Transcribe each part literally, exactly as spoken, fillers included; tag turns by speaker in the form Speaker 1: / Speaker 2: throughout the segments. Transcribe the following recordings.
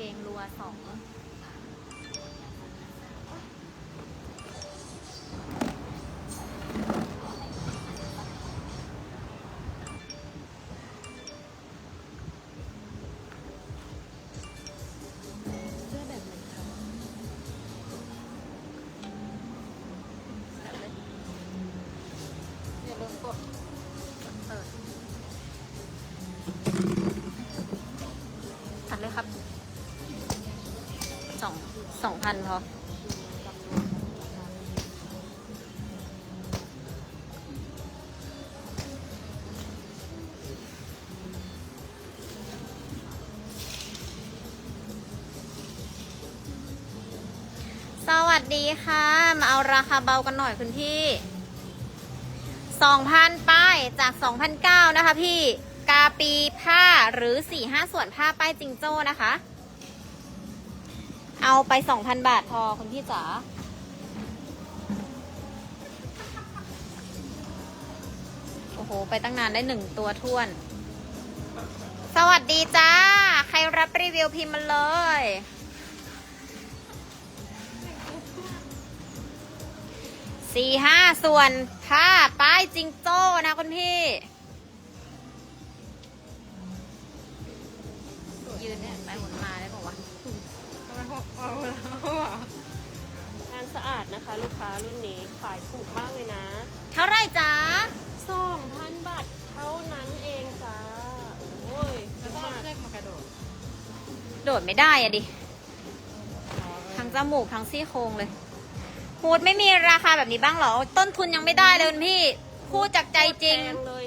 Speaker 1: งรัวสองตัดเลยครับสองสองพันพอสวัสดีค่ะ มาเอาราคาเบากันหน่อยคุณพี่สองพันป้ายจากสองพันเก้านะคะพี่กาปีผ้าหรือสี่ห้าส่วนผ้าป้ายจิงโจ้นะคะ เอาไปสองพันบาทพอคุณพี่จ๋าโอ้โหไปตั้งนานได้หนึ่งตัวท้วนสวัสดีจ้าใครรับรีวิวพิมพ์มาเลยสี่ห้าส่วนผ้าป้ายจิงโจ้นะคุณพี่ยืนเนี่ยไปหมุนมาได้บอกว่า
Speaker 2: งานสะอาดนะคะลูกค้ารุ่นนี้ขายถูกมากเลยนะ
Speaker 1: เท่าไรจ้า
Speaker 2: สองพันบาทเท่านั้นเองจ้าโอ้ย
Speaker 3: แล้วก็เชือกมากระโดด
Speaker 1: โดดไม่ได้อะดิทั้งจมูกทั้งซี่โครงเลยพูดไม่มีราคาแบบนี้บ้างเหรอต้นทุนยังไม่ได้เลยคุณพี่พูดจากใจจริง
Speaker 2: แพงเลย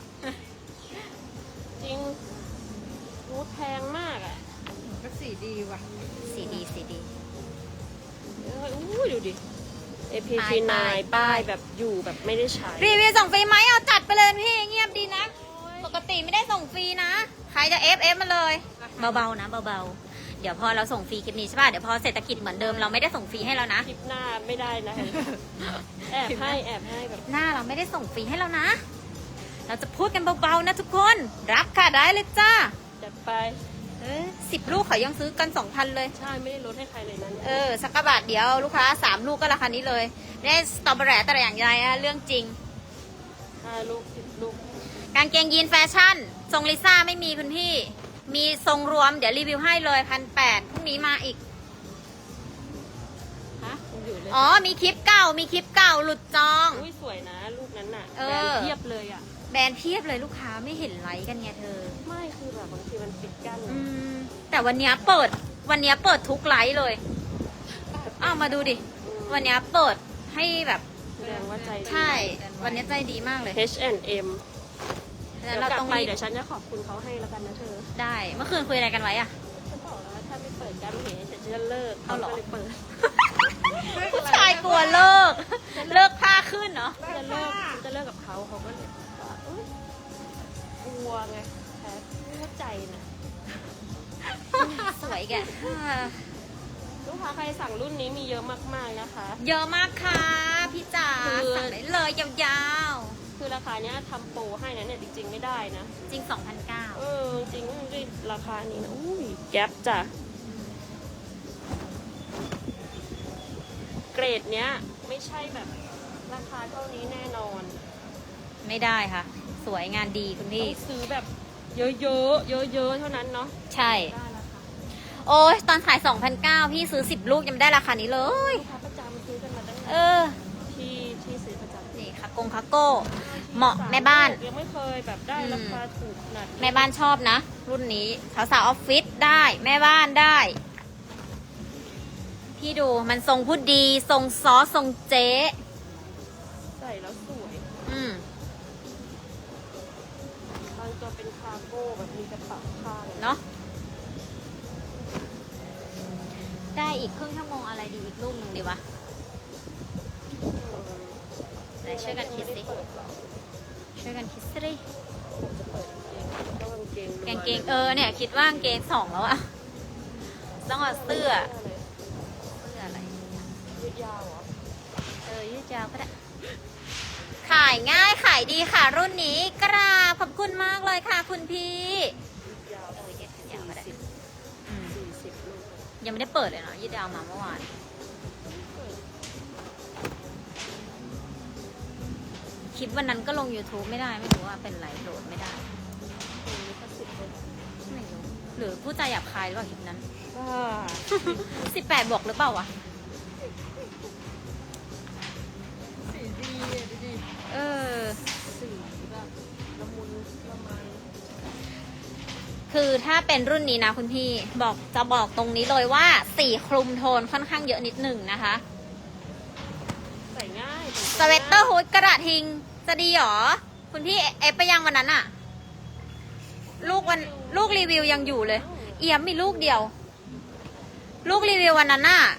Speaker 2: จริงรูดแพงมากอ่ะ
Speaker 3: ก็สีดีว่ะ
Speaker 1: สีดีสีดี
Speaker 2: เอ้ยอู้ดูดิ เอ พี
Speaker 1: ป้า
Speaker 2: ซี
Speaker 1: ย
Speaker 2: ไน
Speaker 1: ป้าย
Speaker 2: ป้ายแบบอยู่แบบไม่ได้ใช้
Speaker 1: รีวิวส่งฟรีไหมเอาจัดไปเลยพี่เงียบดีนะปกติไม่ได้ส่งฟรีนะใครจะเอฟเอฟมาเลยเบาๆนะเบาๆเดี๋ยวพอเราส่งฟรีคลิปนี้ใช่ป่ะเดี๋ยวพอเศรษฐกิจเหมือนเดิมเราไม่ได้ส่งฟรีให้แล้วนะ
Speaker 2: คลิปหน้าไม่ได้นะ แอบให้แอบให้แบบ
Speaker 1: หน้าเราไม่ได้ส่งฟรีให้แล้วนะ เราจะพูดกันเบาๆนะทุกคนรับค่ะได้เลยจ้า
Speaker 2: จัดไป
Speaker 1: เออสิบลูกเขายังซื้อกันสองพันเลย
Speaker 2: ใช่ไม่ได้ลดให้ใครเลยนั้น
Speaker 1: เออสักกะบาทเดียวลูกค้าสามลูกก็ราคานี้เลยไม่ได้สตรอเบอร์รี่แต่อย่างใดนะเรื่องจริง
Speaker 2: ห้าลูกสิบลูก
Speaker 1: กางเกงยีนแฟชั่นทรงลิซ่าไม่มีคุณพี่ มีทรงรวมเดี๋ยวรีวิวให้เลยพันแปดพรุ่งนี้มาอีก
Speaker 2: ฮะอยู่เลย
Speaker 1: อ๋อมีคลิปเก่ามีคลิปเก่าหลุดจอง
Speaker 2: อุ้ยสวยนะลูกนั้นน่ะ
Speaker 1: เอ
Speaker 2: แบร
Speaker 1: อ
Speaker 2: นด์เทียบเลยอ่ะ
Speaker 1: แบรนด์เพียบเลยลูกค้าไม่เห็นไลค์กันไงเธอ
Speaker 2: ไม่คือแบบบางทีมันปิดกั้น
Speaker 1: อืมแต่วันเนี้ยเปิดวันเนี้ยเปิดทุกไลค์เลยอ้าวมาดูดิวันเนี้ยเปิดให้แบบ
Speaker 2: แสดงว่าใจดี
Speaker 1: ใช่ วันเนี้ยใจดีมากเลย
Speaker 2: H and M
Speaker 1: ฉะนั้
Speaker 2: เดี๋ย
Speaker 1: น
Speaker 2: ว
Speaker 1: เรา
Speaker 2: กลับ
Speaker 1: ต้อง
Speaker 2: ไป
Speaker 1: รีบ
Speaker 2: เดี๋ยวฉันจะขอบคุณเขาให้แล้วกันนะเธอ
Speaker 1: ได้เมื่อคืนคุยอะไรกันไว้อะ
Speaker 2: ฉันบอกแล้วว่าถ้าไม่เปิดการเห็นฉันจะเลิก
Speaker 1: เอาเหรอ
Speaker 2: ก็เลยเปิด
Speaker 1: ผู้ชายกลัวเลิก เลิกผ้าขึ้นเนาะ
Speaker 2: จะเลิกฉันจะเลิกกับเขาเขาก็เลยว่าเอ้ยกลัวไงแพ้เข้าใจนะ
Speaker 1: สวยแก
Speaker 2: ลูกค้าใครสั่งรุ่นนี้มีเยอะมากๆนะคะ
Speaker 1: เยอะมากค่ะพี่จ๋า
Speaker 2: คือ
Speaker 1: สั่งได้เลยยาว
Speaker 2: คือราคาเนี้ยทำโปรให้นะเนี่ยจริง ๆไม่ได้นะ
Speaker 1: ๆ จริง สองพันเก้า
Speaker 2: เออจริงด้วยราคานี้นะอุ้ยแก๊ปจ้ะเกรดเนี้ยไม่ใช่แบบราคาเท่านี้แน่นอน
Speaker 1: ไม่ได้ค่ะ สวยงานดีคุณ
Speaker 2: ต้
Speaker 1: พี่
Speaker 2: องซื้อแบบเยอะๆเยอะๆเท่านั้นเนาะ
Speaker 1: ใช่
Speaker 2: ได้ราคา
Speaker 1: โอ้ยตอนขาย สองพันเก้า พี่ซื้อสิบลูกยังไม่ได้ราคานี้เลย
Speaker 2: ลูกค้าประจำซื้อกันมาตั้ง
Speaker 1: เอ
Speaker 2: แต่
Speaker 1: อ
Speaker 2: ที่ที่ซื้อประจำ
Speaker 1: นี่ค่ะกงคาโก้ เหมาะแม่บ้าน
Speaker 2: ยังไม่เคยแบบได้ราคาถูกขนาดนี้
Speaker 1: แม่บ้านชอบนะ รุ่นนี้สาวสาวๆออฟฟิศได้ แม่บ้านได้ พี่ดูมันทรงพูดดี ทรงซอสทรงเจ๊
Speaker 2: ใส่แล้วสวย
Speaker 1: อืม
Speaker 2: บางตัวเป็นคาร์โก้แบบมีกระเป๋าข้าง
Speaker 1: เนาะได้อีกครึ่งชั่วโมงอะไรดีอีกลูกหนึ่งดีวะไหนช่วยกันคิดสิช่วยกันคิดสิ
Speaker 2: ก็กางเกง
Speaker 1: กางเกงเออเนี่ยคิดว่ากางเกงสองแล้วอะต้องเอาเสื้อเสื้ออะไร
Speaker 2: ยืดยาวเหรอ
Speaker 1: เออยืดยาวก็ได้ขายง่ายขายดีค่ะรุ่นนี้กราบขอบคุณมากเลยค่ะคุณพี่
Speaker 2: ยืดยาว
Speaker 1: เออยืดยาวก็ได้
Speaker 2: สี่สิบ
Speaker 1: อืม
Speaker 2: สี่สิบโล
Speaker 1: ยังไม่ได้เปิดเลยเนาะยี่ดาวมาเมื่อวานคลิปวันนั้นก็ลง YouTube ไม่ได้ไม่รู้ว่าเป็นไรโหลดไม่ได้
Speaker 2: ลิขสิทธิ์เลย
Speaker 1: ไม่รู้หรือผู้ใจหยาบคายหรือเปล่าคลิปนั้น
Speaker 2: บ้า
Speaker 1: สิบแปดบวกหรือเปล่าวะ
Speaker 3: สีดีอะดูดิ
Speaker 1: เออ
Speaker 2: สีแบบละมุนละไม
Speaker 1: คือถ้าเป็นรุ่นนี้นะคุณพี่บอกจะบอกตรงนี้เลยว่าสีคลุมโทนค่อนข้างเยอะนิดหนึ่งนะคะ
Speaker 2: ใส่ง่าย
Speaker 1: สเวตเตอร์ฮูดกระดาษทิงจะดีหรอ คุณพี่เอฟไปยังวันนั้นอะลูกวันลูกรีวิวยังอยู่เลย เอี่ยมมีลูกเดียว ลูกรีวิววันนั้นน่ะ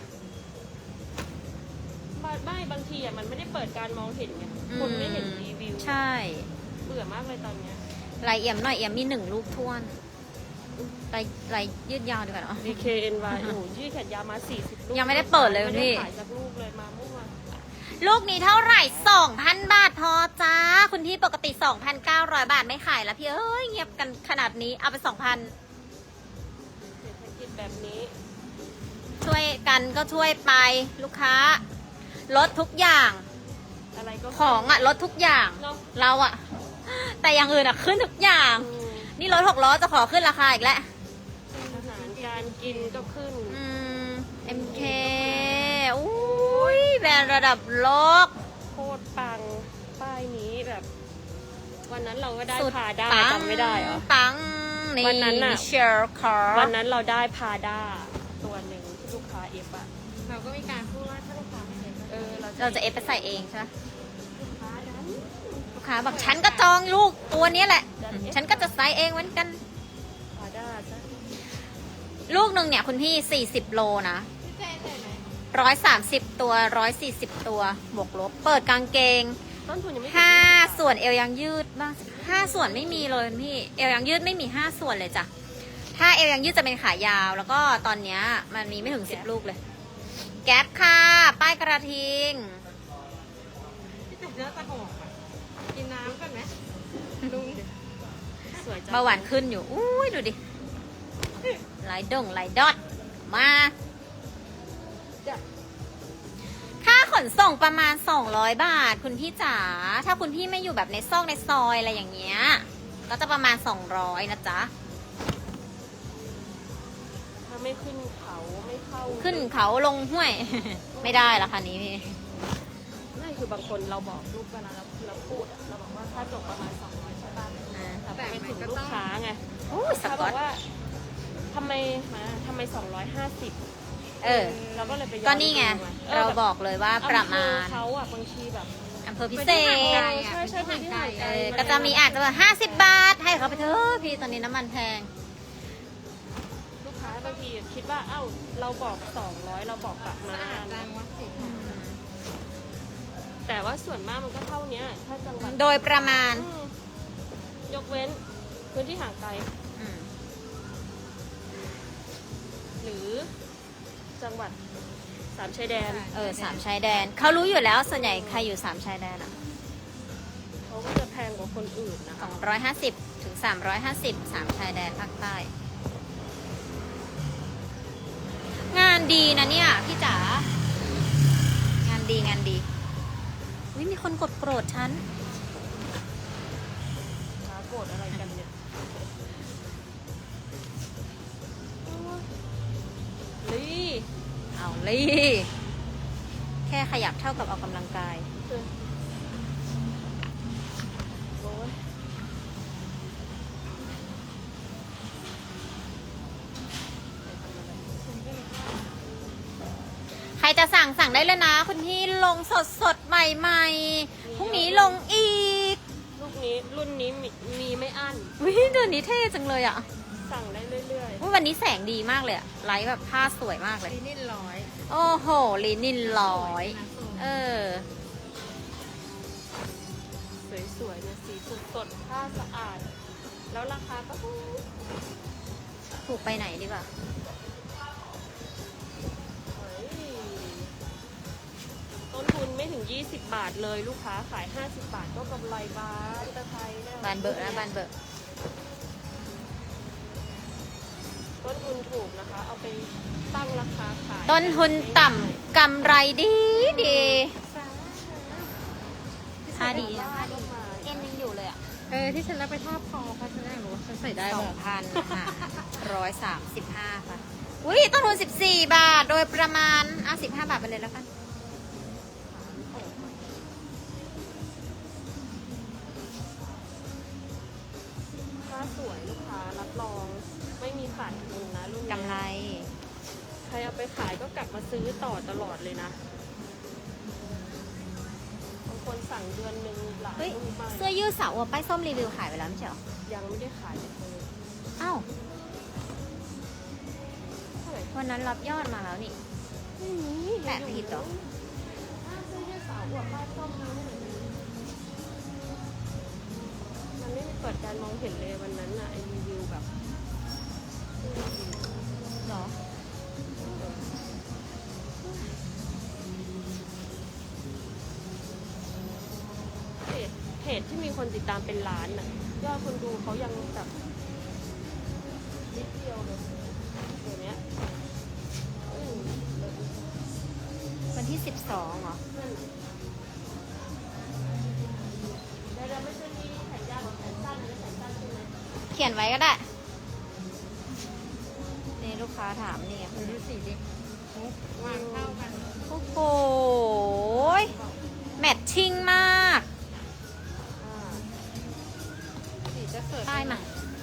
Speaker 2: ไม่บางทีอ่ะมันไม่ได้เปิดการมองเห็นไงคนไม่เห็นรีวิว
Speaker 1: ใช่
Speaker 2: เบื่อมากเลยตอนเนี้ย
Speaker 1: ลายเอี่ยมหน่อยเอี่ยมมีหนึ่งลูกท้วนลายลายยืดยาวดีกว่าเนาะ
Speaker 2: ดี เค เอ็น วาย โอ้โหยืดแขนยาวมาสี่สิบลูก
Speaker 1: ยังไม่ได้เปิดเลยคุณพี่
Speaker 2: ไม่ได้ขายสักลูกเลยมาเมื่อวาน
Speaker 1: ลูกนี้เท่าไหร่ สองพัน บาทพอจ้า คุณพี่ปกติ สองพันเก้าร้อย บาทไม่ขายแล้วพี่เอ้ยเงียบกันขนาดนี้เอาไป สองพัน
Speaker 2: เศรษฐกิจแบบนี้
Speaker 1: ช่วยกันก็ช่วยไปลูกค้า ลดทุกอย่าง
Speaker 2: อะไรก็
Speaker 1: ของอะลดทุกอย่าง
Speaker 2: เนาะ
Speaker 1: เราอะแต่อย่างอื่นอะขึ้นทุกอย่าง
Speaker 2: อืม
Speaker 1: นี่รถหกล้อจะขอขึ้นราคาอีกแล้ว
Speaker 2: อาหารการกินก็ขึ้น
Speaker 1: อืม เอ็ม เค อุ้ยแบรนด์ระดับโลก
Speaker 2: โคตรปัง ป้ายนี้แบบ วันนั้นเราก็ได้
Speaker 1: สุด
Speaker 2: พาด้า
Speaker 1: ปัง
Speaker 2: จำไม่ได้เหรอ
Speaker 1: ปังนี่
Speaker 2: วันนั้นน่ะ
Speaker 1: เชลคอร์
Speaker 2: วันนั้นเราได้พาด้าตัวหนึ่งที่ลูกค้าเอฟอะ
Speaker 3: เราก็มีการพูดว่าถ้าลูกค้าไม่เห็นก็
Speaker 2: เออเรา
Speaker 1: เราจะเอฟไปใส่เองใช่ไหม
Speaker 2: ลูกค้าดัน
Speaker 1: ลูกค้าบอกฉันก็จองลูกตัวนี้แหละ ฉันก็จะใส่เองเหมือนกัน
Speaker 2: พาด้าซะ
Speaker 1: ลูกหนึ่งเนี่ยคุณพี่ สี่สิบ โลนะ
Speaker 3: พี่เจนใส่ไหม
Speaker 1: หนึ่งร้อยสามสิบ ตัว หนึ่งร้อยสี่สิบ ตัว บวกลบ เปิดกางเกง
Speaker 2: ต้นทุนยังไม่ถึง
Speaker 1: ห้า
Speaker 2: ยี่สิบบาท
Speaker 1: ส่วนเอวยังยืดบ้างห้าส่วนไม่มีเลยคุณพี่ เอวยังยืดไม่มีห้าส่วนเลยจ้ะ ถ้าเอวยังยืดจะเป็นขายาว แล้วก็ตอนเนี้ยมันมีไม่ถึงสิบลูกเลย แก๊ปค่ะ ป้ายกระทิง
Speaker 3: พี่เจนเนื้อตะหกอ่ะกินน้ำก่อนไหมลุง
Speaker 2: สวยจัง
Speaker 1: เบาหวานขึ้นอยู่ อุ้ยดูดิไหลดงไหลดอด มา
Speaker 2: จ้ะ
Speaker 1: ค่าขนส่งประมาณ สองร้อย บาท คุณพี่จ๋า ถ้าคุณพี่ไม่อยู่แบบในซอกในซอยอะไรอย่างเงี้ย ก็จะประมาณ สองร้อย นะจ๊ะ
Speaker 2: ถ้าไม่ขึ้นเขาไม่เข้า
Speaker 1: ขึ้นเขาลงห้วย ไม่ได้ราคานี้พี่
Speaker 2: นั่นคือบางคนเราบอกลูกเวลาเราเราพูดอะเราบอกว่าค่าจบประมาณสองร้อยใช่ป่ะ
Speaker 1: อ่า
Speaker 2: แต่ไปถึงลูกค้าไง
Speaker 1: โอ้ยส
Speaker 2: เขา
Speaker 1: ก
Speaker 2: บ
Speaker 1: อ
Speaker 2: อ
Speaker 1: ต
Speaker 2: กว่าทำไมมาทำไมสองร้อยห้าสิบ
Speaker 1: เออ
Speaker 2: เราก็เลยไปย้อ
Speaker 1: ก็นี่ไง
Speaker 2: ดูเออ
Speaker 1: เรา
Speaker 2: แบบ
Speaker 1: บอกเลยว่าประมาณ
Speaker 2: อำเภอเขาอะบางทีแบบ
Speaker 1: อำเภอพิเศษ
Speaker 2: ใช่ใช่ไปที่ห่างไก
Speaker 1: เอ
Speaker 2: ล
Speaker 1: อก็จะมีอาจจะแบบห้าสิบบาท ให้เขาไปเถอะพี่ตอนนี้น้ำมันแพง
Speaker 2: ลูกค้าบางทีคิดว่าเอ้าเราบอกสองร้อยเราบอกประ
Speaker 3: สะ
Speaker 2: มา
Speaker 3: อาด
Speaker 2: ณ
Speaker 3: จังวะสี
Speaker 2: แต่ว่าส่วนมากมันก็เท่าเนี้ยถ้าจังหวัด
Speaker 1: โดยประมาณ
Speaker 2: อืมยกเว้นพื้นที่ห่างไกล
Speaker 1: อืม
Speaker 2: หรือจังหวัดสามชายแดน
Speaker 1: เออสามชายแดน เขารู้อยู่แล้วส่วนใหญ่ใครอยู่สามชายแดนอ่ะ
Speaker 2: เขาก็จะแพงกว่าคนอื่นนะ
Speaker 1: ส
Speaker 2: คะ
Speaker 1: องร้อยห้าสิบถึงสามร้อยห้าสิบสามชายแดนภาคใต้ งานดีนะเนี่ย พี่จ๋า งานดีงานดีวิมีคนกดโกรธฉัน
Speaker 2: ค้าโกรธอะไรกันเนี่ยลี
Speaker 1: เอาลี่ แค่ขยับเท่ากับออกกำลังกาย
Speaker 2: โอ้ย
Speaker 1: ใครจะสั่งสั่งได้เลยนะ คุณพี่ลงสดสดๆใหม่ๆพรุ่งนี้ลงอีก
Speaker 2: ลูกนี้รุ่นนี้มีมีไม่อั้น
Speaker 1: วิเดือนนี้เท่จังเลยอ่ะ
Speaker 2: สั่งได้เรื่อย
Speaker 1: อุ๊ยวันนี้แสงดีมากเลยอะไลท์แบบผ้าสวยมากเลย
Speaker 3: สีนิ่นร้อย
Speaker 1: โอ้โหลินินร้อย เออ
Speaker 2: ๆ สวยๆเนี่ยสีสดสดๆผ้าสะอาด แล้วราคาก็ถูก
Speaker 1: ถูกไปไหนดีกว่า
Speaker 2: เฮ้ยต้นทุนไม่ถึง ยี่สิบบาทเลยลูกค้าขาย ห้าสิบบาทก็กำไรบานตะไทยแล้ว
Speaker 1: บานเบอร์นะบานเบอร์
Speaker 2: ต้นต้นทุนถูกนะคะ เอาไปตั้งราคาขาย
Speaker 1: ต้นทุนต่ำกำไรดีดีค่าดี
Speaker 2: นะ
Speaker 1: นะคะ ดีเอ็นยังอยู่เลยอ่ะ
Speaker 3: เออที่ฉันรับไปทอดคอเขาฉันอยากรู้ว่าฉันใส่ได้
Speaker 1: สอ
Speaker 3: ป่ะ
Speaker 1: งพันค่ะร้อยสามสิบห้าค่ะอุ้ยต้นทุนสิบสี่บาท โดยประมาณอ่ะสิบห้าบาทไปเลยแล้วกัน
Speaker 2: ถ้าสวยลูกค้ารับรองไม่มีขาดทุนนะรุ่นนี้
Speaker 1: กำไร
Speaker 2: ใครเอาไปขายก็กลับมาซื้อต่อตลอดเลยนะบางคนสั่งเดือนหนึ่งหลาย
Speaker 1: เฮ้ย
Speaker 2: ลูกมาก
Speaker 1: เสื้อยืดสาวอวบป้ายส้มรีวิวขายไปแล้วไม่ใช่เหรอ
Speaker 2: ยังไม่ได้ขายเลย
Speaker 1: อ้าว
Speaker 2: เท่าไหร่
Speaker 1: วันนั้นรับยอดมาแล้วนี่
Speaker 2: ไม่มี
Speaker 1: แปะผิดเหรอ
Speaker 2: อ้าวเสื้อยืดสาวอวบป้ายส้มดูหน่อยดิมันไม่มีเปิดการมองเห็นเลยวันนั้นน่ะไอรีวิวแบบ
Speaker 1: เหรอ
Speaker 2: เพจเพจที่มีคนติดตามเป็นล้านน่ะยอดคนดูเขายังแบบนิดเดียวเลยเดี๋ยวนี้อืม
Speaker 1: วันที่สิบสองเหรอ
Speaker 2: นั่นน่ะเดี๋ยวเราไม่ใช่มีแขนยาวกับแขนสั้นนะแขนสั้นใช่ไหม
Speaker 1: เขียนไว้ก็ได้ นี่ลูกค้าถามนี่
Speaker 3: เออดูสีดิวางเท่ากัน
Speaker 1: โอ้โหแมทชิ่งมาก
Speaker 2: อ่า
Speaker 3: สีจะเสิร์ฟ
Speaker 1: ได้มา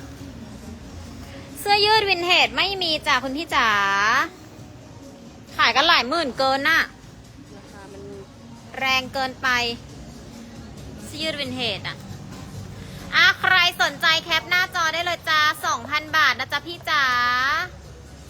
Speaker 1: เสื้อยืดวินเทจไม่มีจ้ะคุณพี่จ๋า ขายกันหลายหมื่นเกินน่ะ
Speaker 2: ราคามัน
Speaker 1: แรงเกินไปเสื้อยืดวินเทจอ่ะ อ่ะ ใครสนใจแคปหน้าจอได้เลยจ้า สองพัน บาทนะจ๊ะพี่จ๋า